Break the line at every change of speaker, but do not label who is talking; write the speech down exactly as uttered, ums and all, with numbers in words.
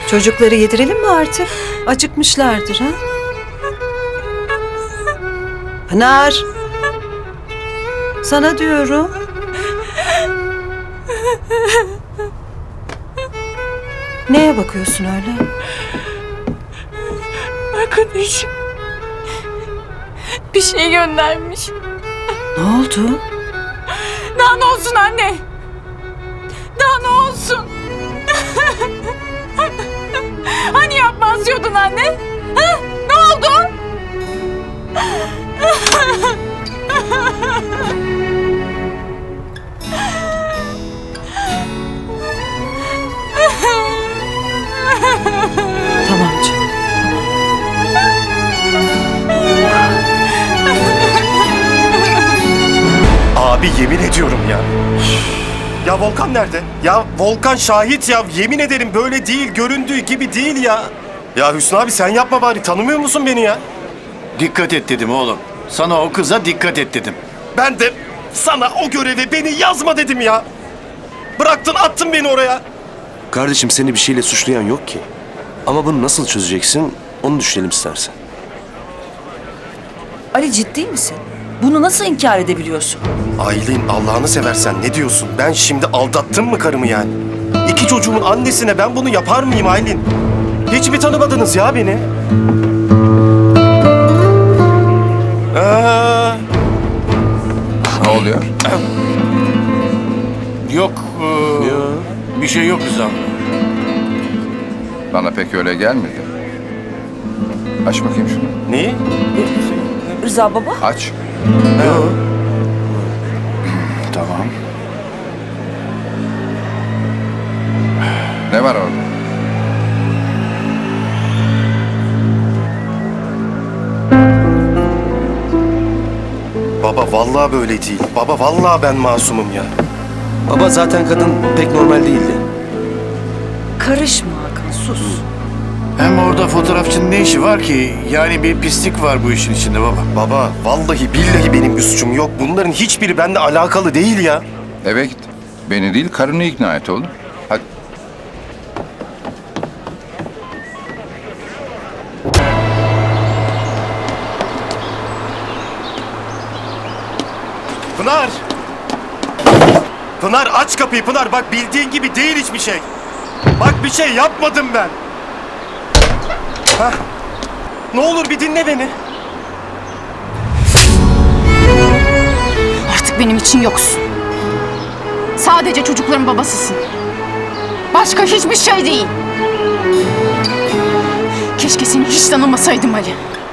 Çocukları yedirelim mi artık? Acıkmışlardır ha? Pınar! Sana diyorum. Neye bakıyorsun öyle?
Arkadaşım bir şey göndermiş.
Ne oldu?
Daha ne olsun anne? Daha ne olsun? Hani yapmaz diyordun anne? Ha? Ne oldu?
Tamam canım.
Abi yemin ediyorum ya. Ya Volkan nerede? Ya Volkan şahit ya. Yemin ederim böyle değil. Göründüğü gibi değil ya. Ya Hüsnü abi sen yapma bari. Tanımıyor musun beni ya?
Dikkat et dedim oğlum. Sana o kıza dikkat et dedim.
Ben de sana o göreve beni yazma dedim ya. Bıraktın attın beni oraya.
Kardeşim seni bir şeyle suçlayan yok ki. Ama bunu nasıl çözeceksin onu düşünelim istersen.
Ali ciddi misin? Bunu nasıl inkar edebiliyorsun?
Aylin Allah'ını seversen ne diyorsun? Ben şimdi aldattım mı karımı yani? İki çocuğumun annesine ben bunu yapar mıyım Aylin? Hiç mi tanımadınız ya beni? Ee,
Ne oluyor?
Yok, e, bir şey yok Rıza.
Bana pek öyle gelmedi. Aç bakayım şunu.
neyi?
Rıza baba?
Aç. Tamam. Ne var orada?
Baba vallahi böyle değil. Baba vallahi ben masumum ya.
Baba zaten kadın pek normal değildi.
Karışma Hakan, sus.
Hem orada fotoğrafçının ne işi var ki? Yani bir pislik var bu işin içinde baba.
Baba vallahi billahi benim bir suçum yok. Bunların hiçbiri benimle alakalı değil ya.
Eve git. Beni değil karını ikna et oğlum. Hadi.
Pınar! Pınar aç kapıyı Pınar. Bak bildiğin gibi değil hiçbir şey. Bak bir şey yapmadım ben. Hah. Ne olur bir dinle beni.
Artık benim için yoksun. Sadece çocukların babasısın. Başka hiçbir şey değil. Keşke seni hiç tanımasaydım Ali.